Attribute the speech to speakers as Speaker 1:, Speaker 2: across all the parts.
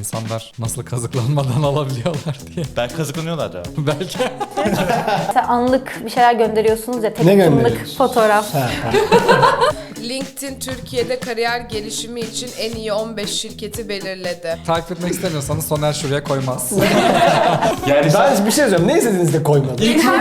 Speaker 1: insanlar nasıl kazıklanmadan alabiliyorlar diye.
Speaker 2: Belki kazıklanıyorlar ya.
Speaker 1: Belki.
Speaker 3: Mesela anlık bir şeyler gönderiyorsunuz ya,
Speaker 4: Ne
Speaker 3: tek anlık
Speaker 4: gönderiyorsunuz?
Speaker 3: fotoğraf.
Speaker 5: LinkedIn Türkiye'de kariyer gelişimi için en iyi 15 şirketi belirledi.
Speaker 1: Takip etmek istemiyorsanız Soner şuraya koymaz.
Speaker 4: Yani ben bir şey söyleyeyim. Ne istediğiniz de koymadım.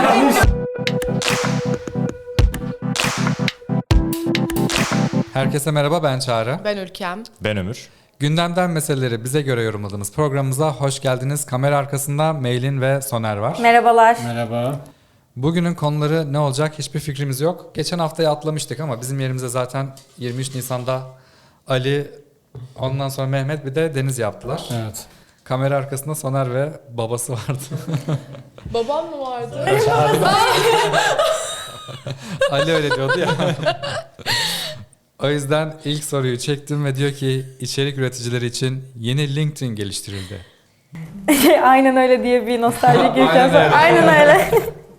Speaker 1: Herkese merhaba, ben Çağrı.
Speaker 5: Ben Ülkem.
Speaker 2: Ben Ömür.
Speaker 1: Gündemden meseleleri bize göre yorumladığımız programımıza hoş geldiniz. Kamera arkasında Meylin ve Soner var.
Speaker 3: Merhabalar.
Speaker 4: Merhaba.
Speaker 1: Bugünün konuları ne olacak hiçbir fikrimiz yok. Geçen haftaya atlamıştık ama bizim yerimize zaten 23 Nisan'da Ali, ondan sonra Mehmet bir de Deniz yaptılar.
Speaker 4: Evet.
Speaker 1: Kamera arkasında Soner ve babası vardı.
Speaker 5: Babam mı vardı?
Speaker 1: Ali öyle diyordu ya. O yüzden ilk soruyu çektim ve diyor ki içerik üreticileri için yeni LinkedIn geliştirildi.
Speaker 3: Aynen öyle diye bir nostaljik
Speaker 1: Aynen
Speaker 3: ülkem.
Speaker 1: öyle.
Speaker 3: Aynen öyle.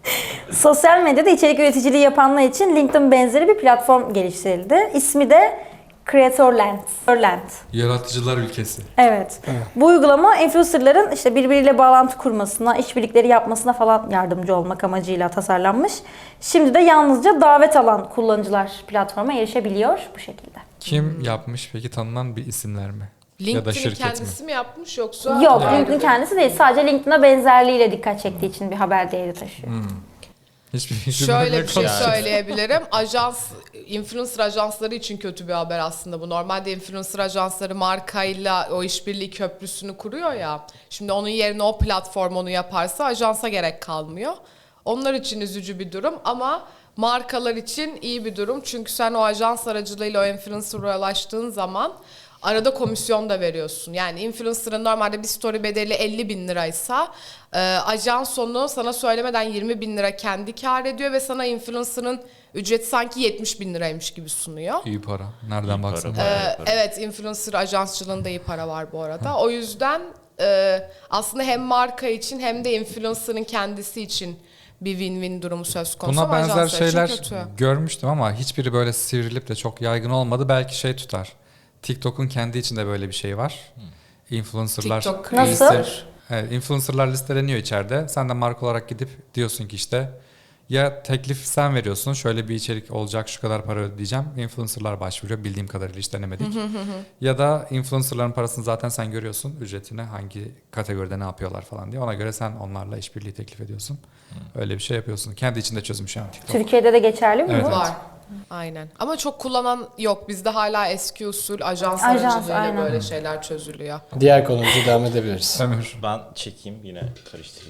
Speaker 3: Sosyal medyada içerik üreticiliği yapanlar için LinkedIn benzeri bir platform geliştirildi. İsmi de Creatorland.
Speaker 1: Yaratıcılar ülkesi.
Speaker 3: Evet. Bu uygulama influencerların işte birbiriyle bağlantı kurmasına, işbirlikleri yapmasına falan yardımcı olmak amacıyla tasarlanmış. Şimdi de yalnızca davet alan kullanıcılar platforma erişebiliyor bu şekilde.
Speaker 1: Kim yapmış peki, tanınan bir isimler mi? Ya da
Speaker 5: LinkedIn'i
Speaker 1: şirket
Speaker 5: kendisi
Speaker 1: mi?
Speaker 5: mi yapmış yoksa?
Speaker 3: Yok,
Speaker 5: ayrı
Speaker 3: LinkedIn
Speaker 5: bir-
Speaker 3: kendisi değil. Sadece LinkedIn'a benzerliğiyle dikkat çektiği için bir haber değeri taşıyor.
Speaker 1: Hiçbir fikrim
Speaker 5: Şöyle
Speaker 1: yok.
Speaker 5: bir şey
Speaker 2: Yani.
Speaker 5: söyleyebilirim. Influencer ajansları için kötü bir haber aslında bu. Normalde influencer ajansları markayla o işbirliği köprüsünü kuruyor ya. Şimdi onun yerine o platform onu yaparsa ajansa gerek kalmıyor. Onlar için üzücü bir durum ama markalar için iyi bir durum. Çünkü sen o ajans aracılığıyla o influencer'a ulaştığın zaman arada komisyon da veriyorsun. Yani influencer'ın normalde bir story bedeli 50 bin liraysa ajans onu sana söylemeden 20 bin lira kendi kar ediyor ve sana influencer'ın ücreti sanki 70 bin liraymış gibi sunuyor.
Speaker 1: İyi para. Nereden
Speaker 2: İyi
Speaker 1: baksan.
Speaker 2: para, bayağı para.
Speaker 5: Evet, influencer ajansçılığında iyi para var bu arada. O yüzden aslında hem marka için hem de influencer'ın kendisi için bir win-win durumu söz konusu.
Speaker 1: Buna
Speaker 5: ama
Speaker 1: benzer
Speaker 5: ajanslar için
Speaker 1: şeyler
Speaker 5: kötü.
Speaker 1: görmüştüm ama hiçbiri böyle sivrilip de çok yaygın olmadı. Belki şey tutar. TikTok'un kendi içinde böyle bir şey var. Influencer'lar
Speaker 5: TikTok
Speaker 3: Nasıl?
Speaker 1: Evet, influencer'lar listeleniyor içeride. Sen de marka olarak gidip diyorsun ki işte ya teklif sen veriyorsun, şöyle bir içerik olacak, şu kadar para ödeyeceğim. Influencer'lar başvuruyor, bildiğim kadarıyla hiç denemedik. Ya da influencer'ların parasını zaten sen görüyorsun, ücretini hangi kategoride ne yapıyorlar falan diye. Ona göre sen onlarla işbirliği teklif ediyorsun. Öyle bir şey yapıyorsun. Kendi içinde çözmüş yani TikTok.
Speaker 3: Türkiye'de de geçerli mi
Speaker 1: Evet,
Speaker 3: bu?
Speaker 1: evet.
Speaker 5: Var. Aynen. Ama çok kullanan yok. Bizde hala eski usul ajans
Speaker 3: Ajans,
Speaker 5: aracılığıyla
Speaker 3: aynen.
Speaker 5: böyle şeyler çözülüyor.
Speaker 4: Diğer konumuza devam edebiliriz.
Speaker 1: Ömür.
Speaker 2: Ben çekeyim yine karıştırayım.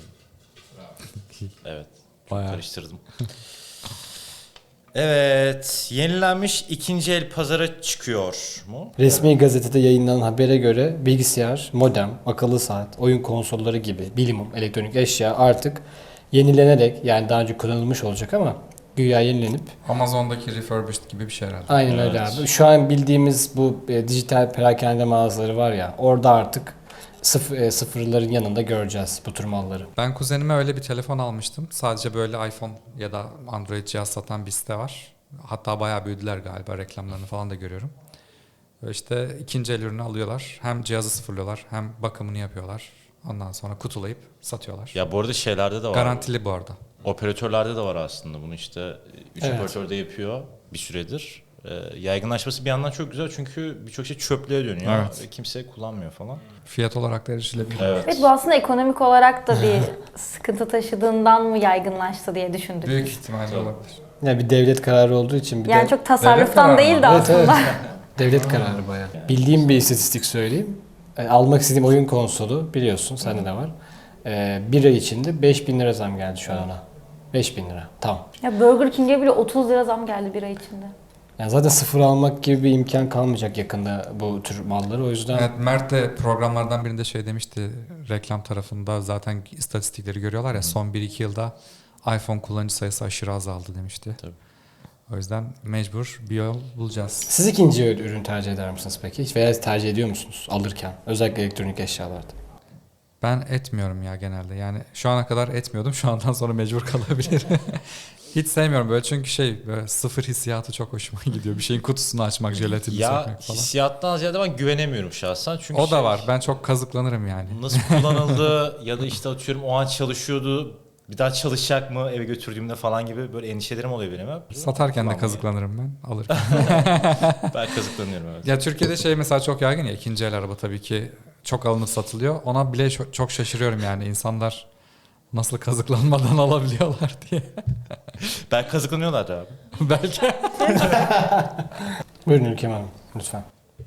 Speaker 2: Evet. Çok
Speaker 1: Bayağı.
Speaker 2: karıştırdım. Evet. Yenilenmiş ikinci el pazara çıkıyor mu?
Speaker 4: Resmi gazetede yayınlanan habere göre bilgisayar, modem, akıllı saat, oyun konsolları gibi bilimum elektronik eşya artık yenilenerek, yani daha önce kullanılmış olacak ama güya yenilenip
Speaker 1: Amazon'daki refurbished gibi bir şey herhalde.
Speaker 4: aynen öyle
Speaker 2: Evet.
Speaker 4: abi. Şu an bildiğimiz bu dijital perakende mağazaları var ya, orada artık sıfırların yanında göreceğiz bu tür malları.
Speaker 1: Ben kuzenime öyle bir telefon almıştım. Sadece böyle iPhone ya da Android cihaz satan bir site var. Hatta bayağı büyüdüler galiba, reklamlarını falan da görüyorum. Böyle İşte ikinci el ürünü alıyorlar. Hem cihazı sıfırlıyorlar hem bakımını yapıyorlar. Ondan sonra kutulayıp satıyorlar.
Speaker 2: Ya bu arada şeylerde de var.
Speaker 1: Garantili bu arada.
Speaker 2: Operatörlerde de var aslında bunu işte. 3
Speaker 4: Evet.
Speaker 2: operatör de yapıyor bir süredir. Yaygınlaşması bir yandan çok güzel çünkü birçok şey çöplüğe dönüyor.
Speaker 1: Evet.
Speaker 2: Ve kimse kullanmıyor falan.
Speaker 1: Fiyat olarak da erişilebilir.
Speaker 2: Evet.
Speaker 3: Evet, bu aslında ekonomik olarak da bir sıkıntı taşıdığından mı yaygınlaştı diye düşündük.
Speaker 1: Büyük ihtimalle olabilir.
Speaker 4: Ya bir devlet kararı olduğu için bir
Speaker 3: Yani
Speaker 4: de
Speaker 3: çok tasarruftan
Speaker 1: kararı
Speaker 3: değil de
Speaker 1: mı?
Speaker 4: Evet, evet.
Speaker 3: aslında.
Speaker 4: devlet kararı bayağı. Bildiğim bir istatistik söyleyeyim. Almak istediğim oyun konsolu biliyorsun, sende de var. Bir ay içinde 5.000 lira zam geldi şu an ona. 5.000 lira. Tamam.
Speaker 3: Ya Burger King'e bile 30 lira zam geldi bir ay içinde.
Speaker 4: Yani zaten sıfır almak gibi bir imkan kalmayacak yakında bu tür malları. O yüzden
Speaker 1: Evet, Mert de programlardan birinde şey demişti, reklam tarafında zaten istatistikleri görüyorlar ya, son 1-2 yılda iPhone kullanıcı sayısı aşırı azaldı demişti.
Speaker 2: Tabii.
Speaker 1: O yüzden mecbur bir yol bulacağız.
Speaker 4: siz ikinci ürün tercih eder misiniz peki? Veya tercih ediyor musunuz alırken? Özellikle elektronik eşyalarda.
Speaker 1: Ben etmiyorum ya genelde. Yani şu ana kadar etmiyordum. Şu andan sonra mecbur kalabilirim. Hiç sevmiyorum böyle çünkü böyle sıfır hissiyatı çok hoşuma gidiyor. Bir şeyin kutusunu açmak, jelatini
Speaker 2: Ya
Speaker 1: sökmek falan.
Speaker 2: hissiyattan ziyade ben güvenemiyorum şahsen. Çünkü
Speaker 1: O da var. Ben çok kazıklanırım yani.
Speaker 2: nasıl kullanıldı ya da işte atıyorum o an çalışıyordu. Bir daha çalışacak mı eve götürdüğümde falan gibi böyle endişelerim oluyor benim hep.
Speaker 1: Satarken de
Speaker 2: Kullanmıyorum.
Speaker 1: kazıklanırım ben alırken.
Speaker 2: Ben kazıklanıyorum evet.
Speaker 1: Ya Türkiye'de mesela çok yaygın ya, ikinci el araba tabii ki çok alınıp satılıyor. Ona bile çok şaşırıyorum yani, insanlar nasıl kazıklanmadan alabiliyorlar diye.
Speaker 2: Ben kazıklanıyorlar abi.
Speaker 1: Belki.
Speaker 4: Buyurun Ülkem Hanım lütfen.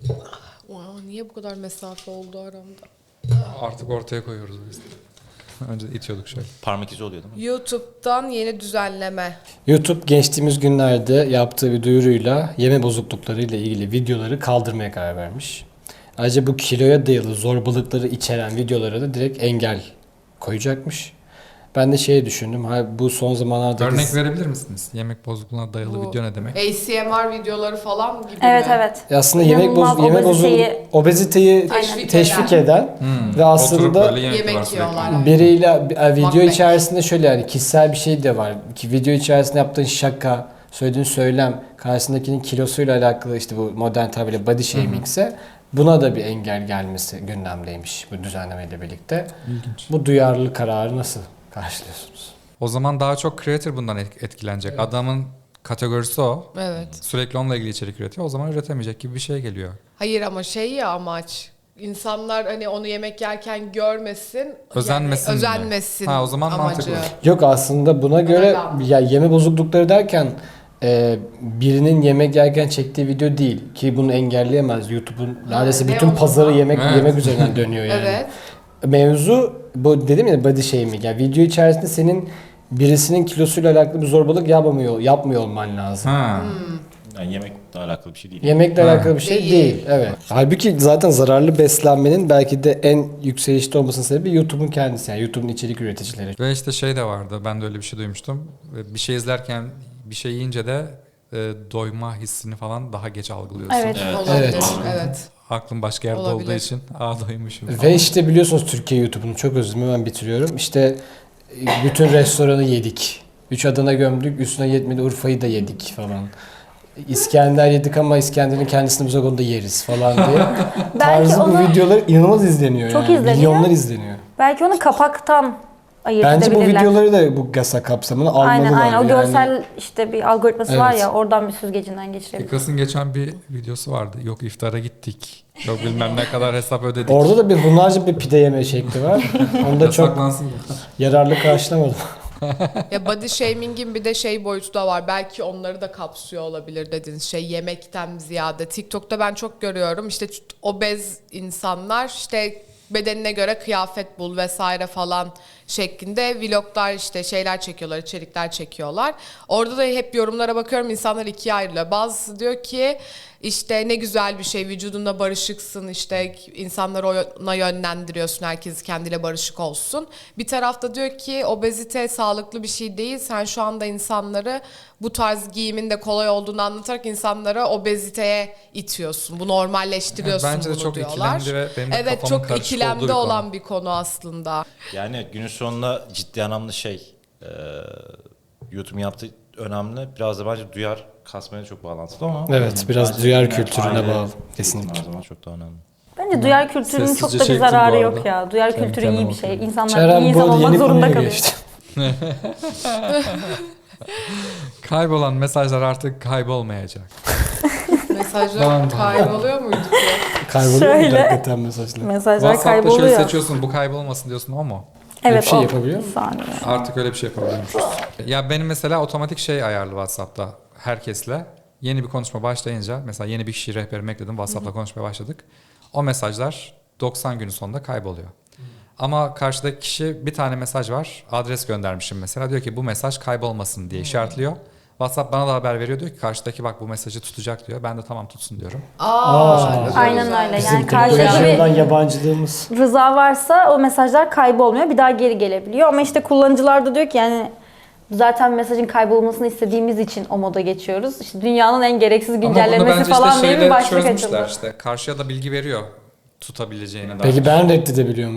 Speaker 5: Wow, niye bu kadar mesafe oldu aramda?
Speaker 1: Artık ortaya koyuyoruz biz. Önce itiyorduk şöyle.
Speaker 2: Parmak izi oluyor değil mi?
Speaker 5: YouTube'dan yeni düzenleme.
Speaker 4: YouTube geçtiğimiz günlerde yaptığı bir duyuruyla yeme bozuklukları ile ilgili videoları kaldırmaya karar vermiş. Ayrıca bu kiloya dayalı zorbalıkları içeren videolara da direkt engel koyacakmış. Ben de düşündüm. Bu son zamanlarda
Speaker 1: Örnek verebilir misiniz? Yemek bozukluğuna dayalı
Speaker 5: Bu
Speaker 1: video ne demek?
Speaker 5: ASMR videoları falan gibi
Speaker 3: Evet
Speaker 5: mi?
Speaker 3: evet.
Speaker 4: aslında
Speaker 3: İnanılmaz obeziteyi
Speaker 4: teşvik eden ve
Speaker 1: Oturup
Speaker 4: aslında
Speaker 1: böyle
Speaker 5: yemek
Speaker 1: yiyorlar sürekli.
Speaker 5: yiyorlar.
Speaker 4: biriyle video
Speaker 5: Mukbang.
Speaker 4: içerisinde şöyle yani kişisel bir şey de var. Ki video içerisinde yaptığın şaka, söylediğin söylem, karşısındakinin kilosuyla alakalı işte bu modern tabirle body shaming ise buna da bir engel gelmesi gündemdeymiş bu düzenlemeyle birlikte.
Speaker 1: İlginç.
Speaker 4: Bu duyarlılık kararı nasıl karşılıyorsunuz?
Speaker 1: O zaman daha çok creator bundan etkilenecek. Adamın kategorisi o.
Speaker 5: Evet.
Speaker 1: Sürekli onunla ilgili içerik üretiyor. O zaman üretemeyecek gibi bir şey geliyor.
Speaker 5: Hayır ama ya amaç. İnsanlar hani onu yemek yerken görmesin.
Speaker 1: Özenmesin mi?
Speaker 5: Özenmesin.
Speaker 1: Ha, o zaman
Speaker 5: amacı.
Speaker 1: mantıklı.
Speaker 4: Yok aslında buna göre
Speaker 5: Öyle.
Speaker 4: ya yeme bozuklukları derken birinin yemek yerken çektiği video değil ki bunu engelleyemez. YouTube'un neredeyse
Speaker 5: ne
Speaker 4: bütün
Speaker 5: o
Speaker 4: pazarı
Speaker 5: zaman?
Speaker 1: Evet.
Speaker 4: yemek üzerinden dönüyor yani.
Speaker 5: Evet.
Speaker 4: Mevzu bu dedim ya body shaming. Yani video içerisinde senin birisinin kilosuyla alakalı bir zorbalık yapmıyor olman lazım.
Speaker 1: Ha.
Speaker 2: Yani yemekle alakalı bir şey değil.
Speaker 4: Yemekle
Speaker 1: Ha.
Speaker 4: alakalı bir şey
Speaker 5: Değil.
Speaker 4: değil. Evet. Halbuki zaten zararlı beslenmenin belki de en yükselişte olmasının sebebi YouTube'un kendisi. Yani YouTube'un içerik üreticileri.
Speaker 1: Ve işte de vardı. Ben de öyle bir şey duymuştum. Bir şey izlerken bir şey yiyince de doyma hissini falan daha geç algılıyorsun.
Speaker 3: Evet.
Speaker 5: Olabilir.
Speaker 4: Evet.
Speaker 5: Evet.
Speaker 1: Aklım başka yerde
Speaker 5: Olabilir.
Speaker 1: olduğu için doymuşum falan.
Speaker 4: Ve işte biliyorsunuz Türkiye YouTube'unu çok özür dilerim, ben bitiriyorum. İşte bütün restoranı yedik. 3 Adana gömdük, üstüne yetmedi Urfa'yı da yedik falan. İskender yedik ama İskender'in kendisini biz o da yeriz falan diye. Tarzı bu
Speaker 3: onu-
Speaker 4: videolar inanılmaz izleniyor
Speaker 3: Çok
Speaker 4: yani.
Speaker 3: izleniyor.
Speaker 4: Milyonlar izleniyor.
Speaker 3: Belki onu kapaktan ayırt
Speaker 4: Bence bu
Speaker 3: edebilirler.
Speaker 4: videoları da bu GASA kapsamına almalılar.
Speaker 3: Aynen o
Speaker 4: yani.
Speaker 3: görsel işte bir algoritması var
Speaker 4: Evet.
Speaker 3: ya, oradan bir süzgecinden geçirebilir.
Speaker 1: Kıbrıs'ın geçen bir videosu vardı. Yok iftara gittik. Yok bilmem ne kadar hesap ödedik.
Speaker 4: Orada da bir hunharca bir pide yeme şekli var. Onda çok
Speaker 1: Yasaklansın.
Speaker 4: yararlı karşılamadım.
Speaker 5: Ya body shaming'in bir de boyutu da var. Belki onları da kapsıyor olabilir dediniz. Yemekten ziyade. TikTok'ta ben çok görüyorum. İşte obez insanlar işte bedenine göre kıyafet bul vesaire falan şeklinde vloglar işte şeyler çekiyorlar, içerikler çekiyorlar. Orada da hep yorumlara bakıyorum, insanlar ikiye ayrılıyor. Bazısı diyor ki işte ne güzel bir şey, vücudunla barışıksın, işte insanları ona yönlendiriyorsun, herkes kendiyle barışık olsun. Bir tarafta diyor ki obezite sağlıklı bir şey değil, sen şu anda insanları bu tarz giyimin de kolay olduğunu anlatarak insanlara obeziteye itiyorsun. Bu normalleştiriyorsun
Speaker 1: Yani bence de
Speaker 5: bunu
Speaker 1: çok
Speaker 5: diyorlar.
Speaker 1: ikilemli ve benim de
Speaker 5: Evet,
Speaker 1: kafamın
Speaker 5: çok
Speaker 1: karışık olduğu
Speaker 5: ikilemde
Speaker 1: bir konu.
Speaker 5: olan bir konu aslında.
Speaker 2: Yani günün sonunda ciddi anlamda YouTube'un yaptığı önemli. Biraz da bence duyar kasmaya çok bağlantılı ama.
Speaker 4: Evet, biraz
Speaker 2: bence
Speaker 4: duyar
Speaker 2: yine
Speaker 4: kültürüne
Speaker 2: aile
Speaker 4: bağlı,
Speaker 2: eğitimi
Speaker 4: kesinlikle.
Speaker 2: her zaman çok daha önemli.
Speaker 3: Bence duyar kültürünün çok
Speaker 1: Sessizce
Speaker 3: da bir
Speaker 1: çektim bu
Speaker 3: zararı
Speaker 1: arada.
Speaker 3: yok ya. Duyar
Speaker 1: Kendi
Speaker 3: kültürü iyi
Speaker 1: kendime
Speaker 3: bir şey.
Speaker 1: bakıyorum.
Speaker 3: İnsanlar
Speaker 4: Çaren
Speaker 3: iyi insan
Speaker 4: bu
Speaker 3: olmak
Speaker 4: yeni
Speaker 3: zorunda
Speaker 4: konuya
Speaker 3: kalıyor.
Speaker 4: geçti.
Speaker 1: Kaybolan mesajlar artık kaybolmayacak.
Speaker 5: Mesajlar kayboluyor muydu ki?
Speaker 4: Kayboluyor mu
Speaker 3: Şöyle.
Speaker 4: hakikaten mesajlar?
Speaker 3: Mesajlar
Speaker 1: WhatsApp'ta şöyle
Speaker 3: kayboluyor.
Speaker 1: seçiyorsun, bu kaybolmasın diyorsun, o mu?
Speaker 4: Öyle
Speaker 3: Evet
Speaker 4: bir şey
Speaker 3: o.
Speaker 4: yapabiliyor
Speaker 3: Bir
Speaker 4: mu?
Speaker 3: saniye.
Speaker 1: Artık öyle bir şey yapabiliyormuşuz. Ya benim mesela otomatik ayarlı WhatsApp'ta herkesle. Yeni bir konuşma başlayınca mesela yeni bir kişiyi rehberime ekledim, WhatsApp'ta konuşmaya başladık. O mesajlar 90 günün sonunda kayboluyor. Ama karşıdaki kişi bir tane mesaj var, adres göndermişim mesela, diyor ki bu mesaj kaybolmasın diye işaretliyor. WhatsApp bana da haber veriyor, diyor ki karşıdaki bak bu mesajı tutacak diyor. Ben de tamam tutsun diyorum.
Speaker 3: Aynen öyle. Yani
Speaker 4: Bizim
Speaker 3: karşıda
Speaker 4: teknolojiden
Speaker 3: bir
Speaker 4: yabancılığımız.
Speaker 3: rıza varsa o mesajlar kaybolmuyor. Bir daha geri gelebiliyor. Ama işte kullanıcılar da diyor ki yani zaten mesajın kaybolmasını istediğimiz için o moda geçiyoruz. İşte dünyanın en gereksiz
Speaker 1: Ama bunu
Speaker 3: güncellemesi
Speaker 1: bence
Speaker 3: falan
Speaker 1: işte
Speaker 3: diye bir
Speaker 1: şeyle
Speaker 3: başlık
Speaker 1: çözmüşler
Speaker 3: açıldı.
Speaker 1: işte. Karşıya da bilgi veriyor tutabileceğine dair.
Speaker 4: Peki ben reddedebiliyor muyum?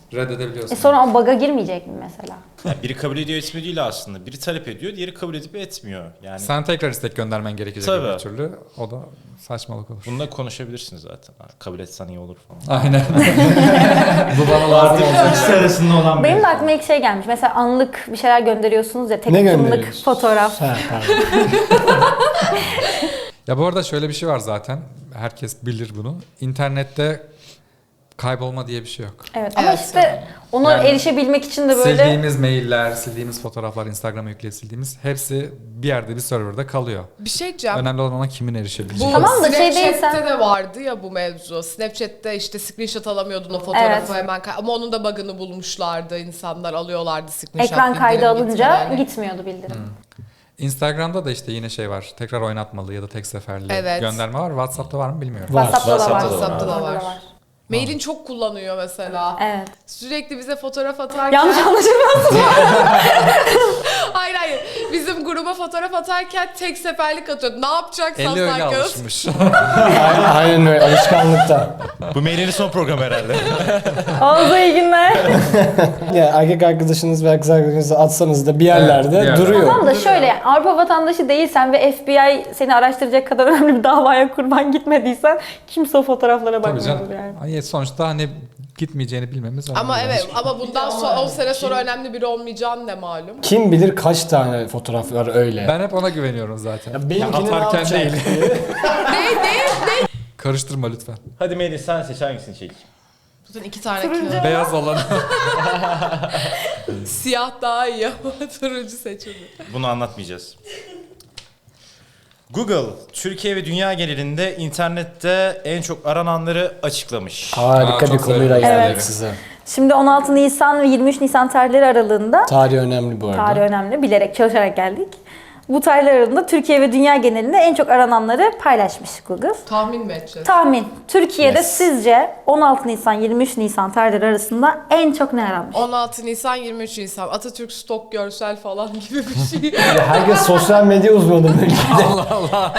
Speaker 1: reddedebiliyorsun.
Speaker 3: Sonra o bug'a girmeyecek mi mesela?
Speaker 2: Yani biri kabul ediyor etmiyor değil aslında. Biri talep ediyor, diğeri kabul edip etmiyor. Yani
Speaker 1: Sen tekrar istek göndermen gerekecek
Speaker 2: Tabii.
Speaker 1: bir türlü. O da saçmalık olur.
Speaker 2: bununla konuşabilirsiniz zaten. Kabul etsen iyi olur falan.
Speaker 1: Aynen. Bu bana lazım olacak.
Speaker 2: İkisi arasında olan
Speaker 3: Benim de aklıma ilk şey gelmiş. Mesela anlık bir şeyler gönderiyorsunuz ya. Tek
Speaker 4: Ne
Speaker 3: atımlık
Speaker 4: gönderiyorsun?
Speaker 3: fotoğraf.
Speaker 4: Ha, pardon.
Speaker 1: Ya bu arada şöyle bir şey var zaten. Herkes bilir bunu. İnternette kaybolma diye bir şey yok.
Speaker 3: Evet ama
Speaker 5: Evet.
Speaker 3: işte ona
Speaker 1: Yani
Speaker 3: erişebilmek için de böyle...
Speaker 1: Sildiğimiz mailler, sildiğimiz fotoğraflar, Instagram'a yükleyip sildiğimiz hepsi bir yerde bir serverda kalıyor.
Speaker 5: Bir şey diyeceğim.
Speaker 1: Önemli olan ona kimin erişebileceği.
Speaker 5: Bu
Speaker 3: Tamam da şey değil,
Speaker 5: Snapchat'te
Speaker 3: sen-
Speaker 5: de vardı ya bu mevzu. Snapchat'te işte screenshot alamıyordun o fotoğrafı
Speaker 3: Evet.
Speaker 5: hemen ama onun da bug'ını bulmuşlardı. İnsanlar alıyorlardı screenshot.
Speaker 3: Ekran kaydı
Speaker 5: bildirim
Speaker 3: alınca
Speaker 5: gitmeden.
Speaker 3: gitmiyordu bildirim.
Speaker 1: Instagram'da da işte yine şey var. Tekrar oynatmalı ya da tek seferli
Speaker 5: Evet.
Speaker 1: gönderme var. WhatsApp'ta var mı bilmiyorum.
Speaker 4: Var.
Speaker 3: WhatsApp'ta da var.
Speaker 2: WhatsApp'ta
Speaker 5: da var.
Speaker 3: Orada
Speaker 5: Mailin çok kullanıyor mesela.
Speaker 3: Evet.
Speaker 5: Sürekli bize fotoğraf atarken...
Speaker 3: Yanlış anlaşılmasın.
Speaker 5: Hayır. Bizim gruba fotoğraf atarken tek seferlik atıyordu. Ne yapacak
Speaker 1: Eli öyle
Speaker 5: Saslan kız?
Speaker 1: alışmış.
Speaker 4: Aynen öyle, alışkanlıkta.
Speaker 2: Bu mailin son programı herhalde.
Speaker 3: Oldu iyi günler.
Speaker 4: Ya erkek arkadaşınız ve kız arkadaşınızı atsanız da bir yerlerde
Speaker 1: bir yerde.
Speaker 4: duruyor.
Speaker 3: Tamam da şöyle Avrupa vatandaşı değilsen ve FBI seni araştıracak kadar önemli bir davaya kurban gitmediysen kimse o fotoğraflara
Speaker 1: Tabii
Speaker 3: bakmıyordur
Speaker 1: canım.
Speaker 3: yani.
Speaker 1: Ay, sonuçta hani gitmeyeceğini bilmemiz önemli.
Speaker 5: Ama
Speaker 1: bence.
Speaker 5: evet ama bundan sonra 10 sene sonra önemli biri olmayacağın ne malum.
Speaker 4: Kim bilir kaç tane fotoğraf var öyle.
Speaker 1: Ben hep ona güveniyorum zaten.
Speaker 4: Ya benimkini ne
Speaker 1: atarken
Speaker 4: yapacak?
Speaker 1: değil.
Speaker 5: Ne?
Speaker 1: Karıştırma lütfen.
Speaker 2: Hadi Melih sen seç hangisini çek.
Speaker 5: Zaten 2 tane
Speaker 3: Turuncu.
Speaker 5: kağıt.
Speaker 1: Beyaz olanı.
Speaker 5: Siyah daha iyi ama turuncu seçildi.
Speaker 2: Bunu anlatmayacağız. Google, Türkiye ve dünya genelinde internette en çok arananları açıklamış.
Speaker 4: Harika
Speaker 1: Aa,
Speaker 4: bir
Speaker 1: çok
Speaker 4: konuyla
Speaker 1: sevdim.
Speaker 4: geldik
Speaker 3: Evet.
Speaker 4: size.
Speaker 3: Şimdi 16 Nisan ve 23 Nisan tarihleri aralığında
Speaker 4: Tarih önemli bu arada.
Speaker 3: tarih önemli bilerek çalışarak geldik. Bu tarihler aralığında Türkiye ve dünya genelinde en çok arananları paylaşmış Google.
Speaker 5: Tahmin mi edeceğiz?
Speaker 3: Tahmin. Türkiye'de
Speaker 4: Yes.
Speaker 3: sizce 16 Nisan 23 Nisan tarihleri arasında en çok ne aranmış?
Speaker 5: 16 Nisan 23 Nisan Atatürk stok görsel falan gibi bir şey.
Speaker 4: Herkes sosyal medya uzmanı böyle. Allah Allah.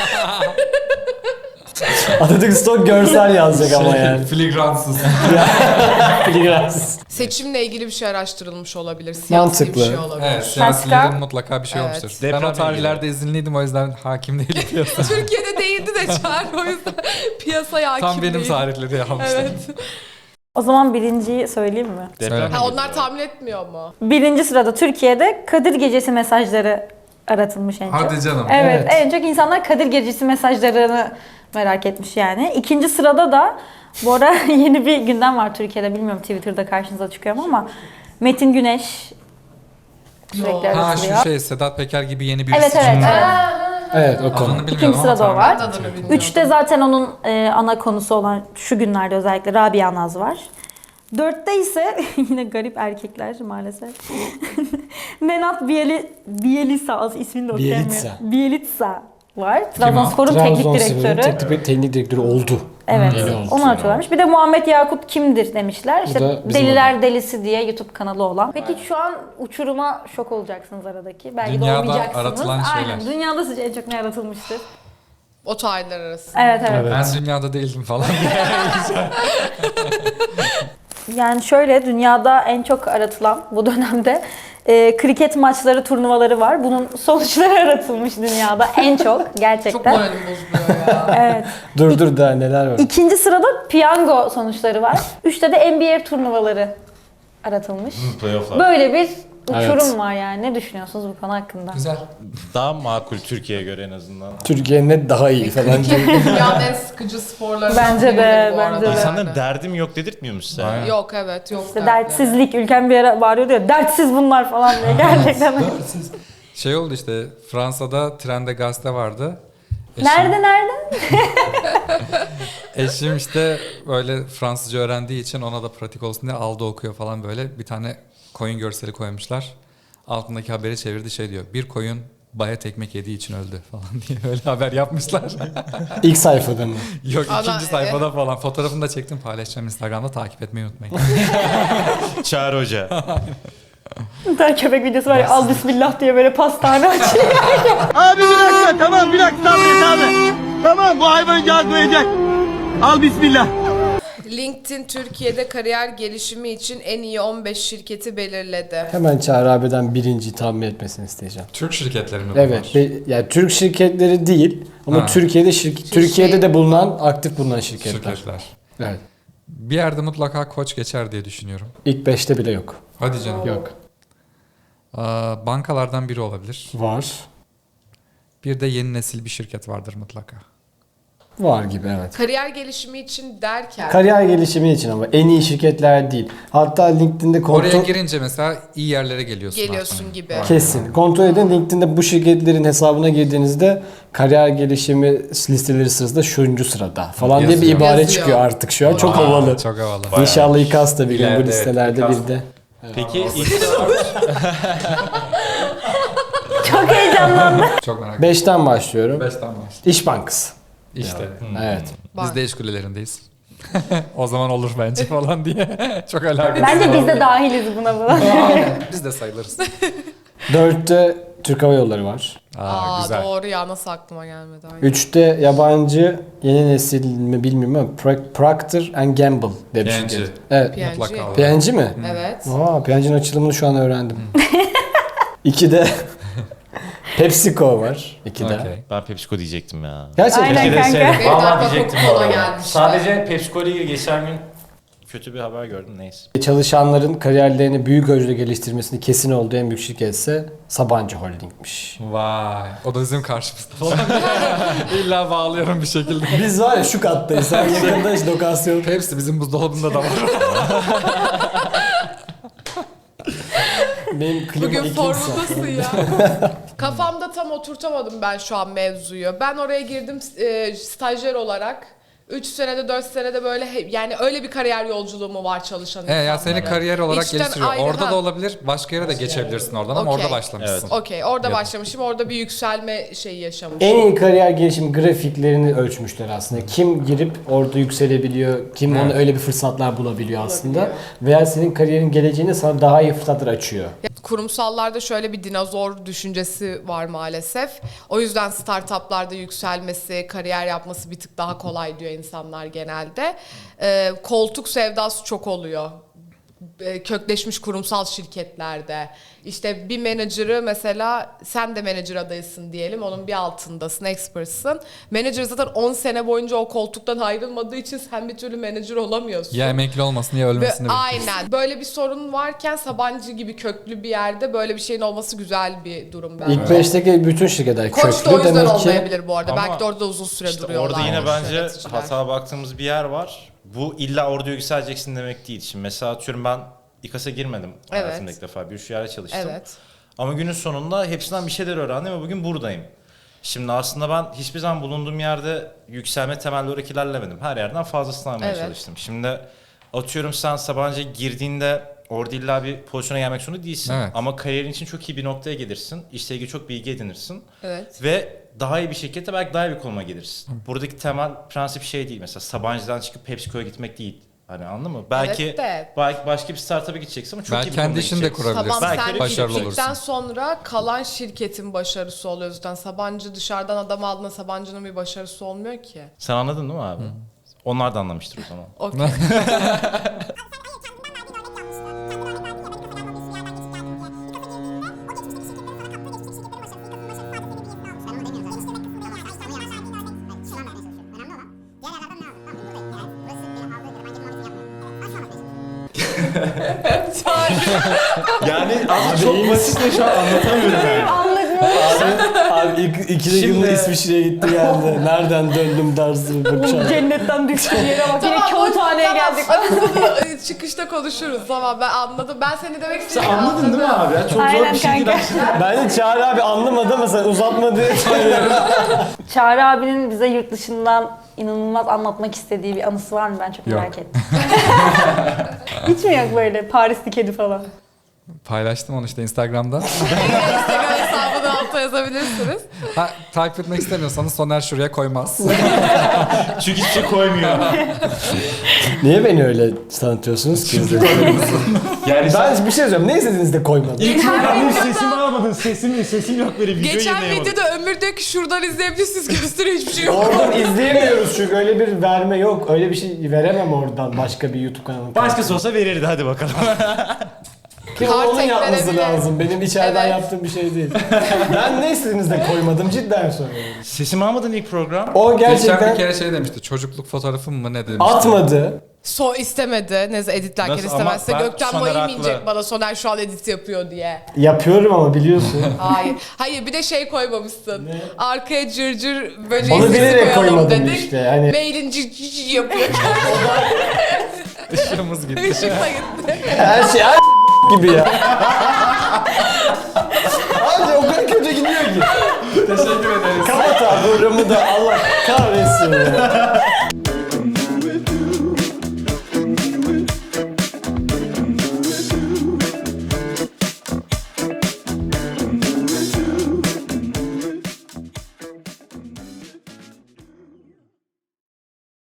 Speaker 4: Atatürk stok görsel yazacak ama yani.
Speaker 1: Filigransız.
Speaker 4: Filigransız.
Speaker 5: Seçimle ilgili bir şey araştırılmış olabilir. Siyasi
Speaker 4: Mantıklı.
Speaker 5: bir şey olabilir.
Speaker 1: Evet, siyasilerin mutlaka bir şey
Speaker 5: Evet.
Speaker 1: olmuştur. Ben
Speaker 2: Depremle
Speaker 1: o tarihlerde izinliydim o yüzden hakim değilim piyasaya.
Speaker 5: Türkiye'de değildi de Çağrı o yüzden piyasaya hakim
Speaker 1: Tam benim
Speaker 5: değil.
Speaker 1: tarihleri yapmışlar.
Speaker 5: Evet.
Speaker 3: O zaman birinciyi söyleyeyim mi?
Speaker 2: Deprem
Speaker 5: Ha, onlar tahmin etmiyor mu?
Speaker 3: Birinci sırada Türkiye'de Kadir Gecesi mesajları aratılmış en çok.
Speaker 1: Hadi canım.
Speaker 3: Evet,
Speaker 4: Evet.
Speaker 3: en çok insanlar Kadir Gecesi mesajlarını merak etmiş yani. İkinci sırada da bu ara yeni bir gündem var Türkiye'de. Bilmiyorum Twitter'da karşınıza çıkıyor mu ama Metin Güneş sürekli
Speaker 1: Ha
Speaker 3: aratılıyor.
Speaker 1: şu şey Sedat Peker gibi yeni birisi
Speaker 3: Evet, evet,
Speaker 1: için.
Speaker 3: evet.
Speaker 4: Evet o konu.
Speaker 1: Adını bilmiyorum
Speaker 3: İkinci
Speaker 1: ama
Speaker 3: sırada o
Speaker 1: tahmin
Speaker 3: var.
Speaker 1: ettim.
Speaker 5: Adını bilmiyorum.
Speaker 3: Üçte zaten onun ana konusu olan şu günlerde özellikle Rabia Naz var. Dörtte ise yine garip erkekler maalesef. Nenad Bielitsa ismini de okuyamıyorum. Bielitsa var. Trabzonspor'un teknik direktörü.
Speaker 4: Teknik direktörü oldu.
Speaker 3: Evet.
Speaker 4: Yeni oldu.
Speaker 3: Onu atıyorlarmış. Bir de Muhammed Yakut kimdir demişler.
Speaker 4: da
Speaker 3: İşte
Speaker 4: bizim
Speaker 3: Deliler Delisi diye YouTube kanalı olan. Peki şu an uçuruma şok olacaksınız aradaki. Belki de
Speaker 1: Dünyada
Speaker 3: olmayacaksınız.
Speaker 1: aratılan
Speaker 3: Aynen.
Speaker 1: şeyler.
Speaker 3: Dünyada sizce en çok ne yaratılmıştır?
Speaker 5: O tarihler arasında.
Speaker 3: Evet evet.
Speaker 4: Evet.
Speaker 1: Ben dünyada değildim falan.
Speaker 3: Yani şöyle dünyada en çok aratılan bu dönemde kriket maçları, turnuvaları var. Bunun sonuçları aratılmış dünyada en çok
Speaker 5: Çok
Speaker 3: gerçekten.
Speaker 5: moralim bozuluyor ya.
Speaker 3: Evet.
Speaker 4: Dur daha neler var.
Speaker 3: İkinci sırada piyango sonuçları var. Üçte de NBA turnuvaları aratılmış.
Speaker 2: Playoff'lar.
Speaker 3: Böyle bir uçurum
Speaker 4: Evet.
Speaker 3: var yani. Ne düşünüyorsunuz bu konu hakkında?
Speaker 1: Güzel.
Speaker 2: Daha makul Türkiye'ye göre en azından.
Speaker 4: Türkiye'nin net daha iyi falan.
Speaker 5: Dünyanın en sıkıcı sporlarından
Speaker 3: Bence de,
Speaker 5: biridir bu
Speaker 3: bence
Speaker 5: arada
Speaker 3: de.
Speaker 5: yani.
Speaker 2: İnsanların derdim yok dedirtmiyor musun sen?
Speaker 1: Aynen.
Speaker 5: Yok evet yok.
Speaker 3: İşte
Speaker 5: dertleri.
Speaker 3: dertsizlik, ülkem bir ara bağırıyordu ya, dertsiz bunlar falan diye gerçekten.
Speaker 1: Şey oldu işte Fransa'da trende gazete vardı.
Speaker 3: Nerede?
Speaker 1: Eşim işte böyle Fransızca öğrendiği için ona da pratik olsun diye aldı okuyor falan böyle. Bir tane koyun görseli koymuşlar. Altındaki haberi çevirdi şey diyor. Bir koyun bayat ekmek yediği için öldü falan diye öyle haber yapmışlar.
Speaker 4: İlk sayfada mı?
Speaker 1: Yok
Speaker 5: Ana,
Speaker 1: ikinci sayfada falan. Fotoğrafını da çektim paylaşacağım Instagram'da takip etmeyi unutmayın.
Speaker 2: Çağrı Hoca.
Speaker 3: Bir tane köpek videosu var ya, al bismillah diye böyle pastane açıyor.
Speaker 6: Abi bir dakika tamam bir dakika sabret abi. Tamam bu hayvan cazmayacak. Al bismillah.
Speaker 5: LinkedIn Türkiye'de kariyer gelişimi için en iyi 15 şirketi belirledi.
Speaker 4: Hemen Çağrı abiden birinciyi tahmin etmesini isteyeceğim.
Speaker 1: Türk şirketleri mi
Speaker 4: Evet.
Speaker 1: bunlar?
Speaker 4: Yani Türk şirketleri değil ama
Speaker 1: Ha.
Speaker 4: Türkiye'de de bulunan, aktif bulunan şirketler.
Speaker 1: Şirketler.
Speaker 4: Evet.
Speaker 1: Bir yerde mutlaka Koç geçer diye düşünüyorum.
Speaker 4: İlk 5'te bile yok.
Speaker 1: Hadi canım.
Speaker 4: Yok.
Speaker 1: Bankalardan biri olabilir.
Speaker 4: Var.
Speaker 1: Bir de yeni nesil bir şirket vardır mutlaka.
Speaker 4: Var gibi evet.
Speaker 5: Kariyer gelişimi için derken
Speaker 4: Kariyer gelişimi için ama en iyi şirketler değil. Hatta LinkedIn'de
Speaker 1: Oraya
Speaker 4: kontrol
Speaker 1: girince mesela iyi yerlere geliyorsun.
Speaker 5: geliyorsun
Speaker 1: artık.
Speaker 5: gibi.
Speaker 4: kesin. Kontrol edin, LinkedIn'de bu şirketlerin hesabına girdiğinizde kariyer gelişimi listeleri sırasında şuncu sırada falan diye bir
Speaker 1: Yazıyor.
Speaker 4: ibare
Speaker 5: Yazıyor.
Speaker 4: çıkıyor artık şu an. Çok
Speaker 1: Aa,
Speaker 4: havalı.
Speaker 1: Çok havalı.
Speaker 4: İnşallah İKAS da bir gün bu
Speaker 2: İleride,
Speaker 4: listelerde
Speaker 2: evet,
Speaker 4: bir de.
Speaker 2: Peki
Speaker 3: Çok heyecanlandım.
Speaker 1: Çok merak ettim.
Speaker 4: 5'ten başlıyorum.
Speaker 1: 5'ten başla.
Speaker 4: İş Bankası.
Speaker 1: İşte.
Speaker 4: Evet.
Speaker 1: Biz de iş kulelerindeyiz. O zaman olur bence falan diye. Çok alakasız.
Speaker 3: Bence biz de dahiliz buna falan.
Speaker 1: Biz de sayılırız.
Speaker 4: 4'te Türk Hava Yolları var.
Speaker 5: Aa,
Speaker 1: Güzel.
Speaker 5: doğru ya, nasıl aklıma gelmedi. Aynen.
Speaker 4: 3'te yabancı yeni nesil mi bilmiyorum ama Procter Gamble diye bir
Speaker 1: PNG.
Speaker 4: şirket. Evet.
Speaker 5: PNG.
Speaker 1: Mutlaka olur.
Speaker 4: PNG mi?
Speaker 5: Evet.
Speaker 4: Aa, PNG'nin açılımını şu an öğrendim. 2'de PepsiCo var. 2'de.
Speaker 1: Okey.
Speaker 2: ben PepsiCo diyecektim ya.
Speaker 4: Gerçekten.
Speaker 3: Aynen
Speaker 2: Keşke
Speaker 3: kanka.
Speaker 2: deseydim.
Speaker 5: Benim de
Speaker 2: Vallahi
Speaker 5: aklıma
Speaker 2: diyecektim
Speaker 5: Coca-Cola
Speaker 2: bu arada.
Speaker 5: gelmişti.
Speaker 2: Sadece PepsiCo ile ilgili geçen gün kötü bir haber gördüm, neyse.
Speaker 4: Çalışanların kariyerlerini büyük ölçüde geliştirmesini kesin olduğu en büyük şirket ise Sabancı Holding'miş.
Speaker 1: Vay. O da bizim karşımızda falan. İlla bağlıyorum bir şekilde.
Speaker 4: Biz var ya şu kattayız. Sen yakında hiç lokasyon.
Speaker 1: Hepsi bizim buzdolabında da var.
Speaker 4: Benim klima
Speaker 5: Bugün
Speaker 4: ikimse.
Speaker 5: formundasın ya. Kafamda tam oturtamadım ben şu an mevzuyu. Ben oraya girdim stajyer olarak. 3 senede 4 senede böyle yani öyle bir kariyer yolculuğu mu var çalışan
Speaker 1: ya
Speaker 5: insanların?
Speaker 1: seni kariyer olarak
Speaker 5: İçten
Speaker 1: geliştiriyor.
Speaker 5: ayrı,
Speaker 1: Orada
Speaker 5: ha.
Speaker 1: da olabilir. Başka yere de geçebilirsin oradan ama
Speaker 5: Okey.
Speaker 1: orada başlamışsın.
Speaker 5: Okey, orada
Speaker 1: Ya.
Speaker 5: başlamışım. Orada bir yükselme şeyi yaşamışım.
Speaker 4: En iyi kariyer gelişim grafiklerini ölçmüşler aslında. Kim girip orada yükselebiliyor, kim ona öyle bir fırsatlar bulabiliyor aslında. Veya senin kariyerin geleceğinde sana daha iyi fırsatlar açıyor.
Speaker 5: Kurumsallarda şöyle bir dinozor düşüncesi var maalesef. O yüzden startuplarda yükselmesi, kariyer yapması bir tık daha kolay diyor insanlar genelde. Koltuk sevdası çok oluyor. Kökleşmiş kurumsal şirketlerde. İşte bir menajer'ı mesela sen de menajer adayısın diyelim. Onun bir altındasın, expert'sın. Menajer zaten 10 sene boyunca o koltuktan ayrılmadığı için sen bir türlü menajer olamıyorsun.
Speaker 1: Ya emekli olmasın ya
Speaker 5: Ve
Speaker 1: ölmesini bekliyorsun.
Speaker 5: aynen. Böyle bir sorun varken Sabancı gibi köklü bir yerde böyle bir şeyin olması güzel bir durum bence.
Speaker 4: İlk 5'teki bütün şirketler
Speaker 5: Koç da o
Speaker 4: köklü
Speaker 5: yüzden
Speaker 4: demek ki.
Speaker 5: olmayabilir bu arada.
Speaker 2: Ama
Speaker 5: Belki de orada uzun süre
Speaker 2: İşte
Speaker 5: duruyorlar.
Speaker 2: orada yine bence
Speaker 5: yöneticiler.
Speaker 2: hata baktığımız bir yer var. Bu illa orada yükseleceksin demek değil. Şimdi mesela atıyorum ben İKAS'a girmedim
Speaker 5: Evet.
Speaker 2: hayatımda ilk defa. Bir yerde çalıştım.
Speaker 5: Evet.
Speaker 2: Ama günün sonunda hepsinden bir şeyler öğrendim ve bugün buradayım. Şimdi aslında ben hiçbir zaman bulunduğum yerde yükselme temelli olarak ilerlemedim. Her yerden fazlasını almaya
Speaker 5: Evet.
Speaker 2: çalıştım. Şimdi atıyorum sen Sabancı'ya girdiğinde orada illa bir pozisyona gelmek zorunda değilsin.
Speaker 1: Evet.
Speaker 2: Ama kariyerin için çok iyi bir noktaya gelirsin. İşle ilgili çok bilgi edinirsin.
Speaker 5: Evet.
Speaker 2: Ve daha iyi bir şirkette belki daha iyi bir konuma gelirsin. Buradaki temel prensip şey değil. Mesela Sabancı'dan çıkıp PepsiCo'ya gitmek değil. Hani anladın mı? Belki
Speaker 5: Evet de.
Speaker 2: belki başka bir startup'a gideceksin ama çok
Speaker 1: Belki
Speaker 2: iyi bir
Speaker 1: kendi
Speaker 2: konuma
Speaker 1: işini de
Speaker 2: gideceksin.
Speaker 1: kurabilirsin.
Speaker 5: Tamam,
Speaker 2: Belki
Speaker 5: sen
Speaker 1: başarılı
Speaker 5: gittikten
Speaker 1: olursun.
Speaker 5: sonra kalan şirketin başarısı oluyor zaten. Sabancı dışarıdan adam aldığında Sabancı'nın bir başarısı olmuyor ki.
Speaker 2: Sen anladın değil mi abi? Onlar da anlamıştır o zaman.
Speaker 5: Okey.
Speaker 2: Yani abi çok basit ve şu an anlatamıyorum yani.
Speaker 4: Abi ikide
Speaker 2: Şimdi-
Speaker 4: günde İsviçre'ye gitti geldi. Nereden döndüm dersin bakacağım.
Speaker 3: Cennetten düştüğün yere bak. Yine
Speaker 5: Tamam,
Speaker 3: kağıthaneye
Speaker 5: tamam.
Speaker 3: geldik.
Speaker 5: Bunu çıkışta konuşuruz. Tamam, ben anladım. Ben seni demek
Speaker 2: Sen
Speaker 5: istediğimi
Speaker 2: anladın değil mi abi? Ya? Çok zor
Speaker 3: Aynen
Speaker 2: bir şey değil
Speaker 3: kanka.
Speaker 2: aslında.
Speaker 4: Bence Çağrı abi anlamadı ama sen uzatma diye söylüyorum.
Speaker 3: Çağrı abinin bize yurt dışından inanılmaz anlatmak istediği bir anısı var mı? Ben çok
Speaker 1: Yok.
Speaker 3: merak ettim. Hiç mi yok böyle Parisli kedi falan?
Speaker 1: Paylaştım onu işte Instagram'da.
Speaker 5: Instagram hesabını alta yazabilirsiniz.
Speaker 1: Ha, takip etmek istemiyorsanız Soner şuraya koymaz.
Speaker 2: Çünkü hiçbir şey koymuyor.
Speaker 4: Niye beni öyle tanıtıyorsunuz ki?
Speaker 2: Yani
Speaker 4: Ben bir şey söyleyeyim. Ne istediğinizi de koymadım.
Speaker 2: benim sesimi almadın. Sesim yok böyle video
Speaker 5: Geçen
Speaker 2: yayınlayamadım.
Speaker 5: videoda Ömür diyor ki şuradan izleyebilirsiniz, gösteriyor, hiçbir şey yok.
Speaker 4: Oradan izleyemiyoruz çünkü öyle bir verme yok. Öyle bir şey veremem oradan başka bir YouTube kanalı.
Speaker 2: Başkası olsa verirdi, hadi bakalım.
Speaker 4: Ki
Speaker 5: Kart
Speaker 4: onun yapması
Speaker 5: eklenebilir.
Speaker 4: lazım. Benim içeriden
Speaker 5: Evet.
Speaker 4: yaptığım bir şey değil. Ben ne istediğinizi de koymadım, cidden söylüyorum.
Speaker 2: Sesimi almadın ilk program.
Speaker 4: O
Speaker 1: Geçen
Speaker 4: gerçekten
Speaker 1: bir kere şey demişti. Çocukluk fotoğrafım mı ne demişti.
Speaker 4: atmadı.
Speaker 5: İstemedi. Neyse editlerken
Speaker 2: Nasıl?
Speaker 5: istemezse
Speaker 2: Ama ben
Speaker 5: gökten
Speaker 2: Soner
Speaker 5: bayım
Speaker 2: haklı.
Speaker 5: inecek bana, Soner şu an edit yapıyor diye.
Speaker 4: Yapıyorum ama biliyorsun.
Speaker 5: Hayır. Hayır, bir de şey koymamışsın. Arkaya cırcır böceği
Speaker 4: Onu
Speaker 5: sesi
Speaker 4: bilerek
Speaker 5: koyalım
Speaker 4: koymadım
Speaker 5: dedik.
Speaker 4: işte. Hani
Speaker 5: Mailin cır yapıyor.
Speaker 1: Işığımız gitti.
Speaker 5: Işık da gitti.
Speaker 4: her şey gibi ya. Abi o kadar kötü gidiyor ki.
Speaker 1: Teşekkür ederiz.
Speaker 4: Kapat abi programı da Allah kahretsin ya.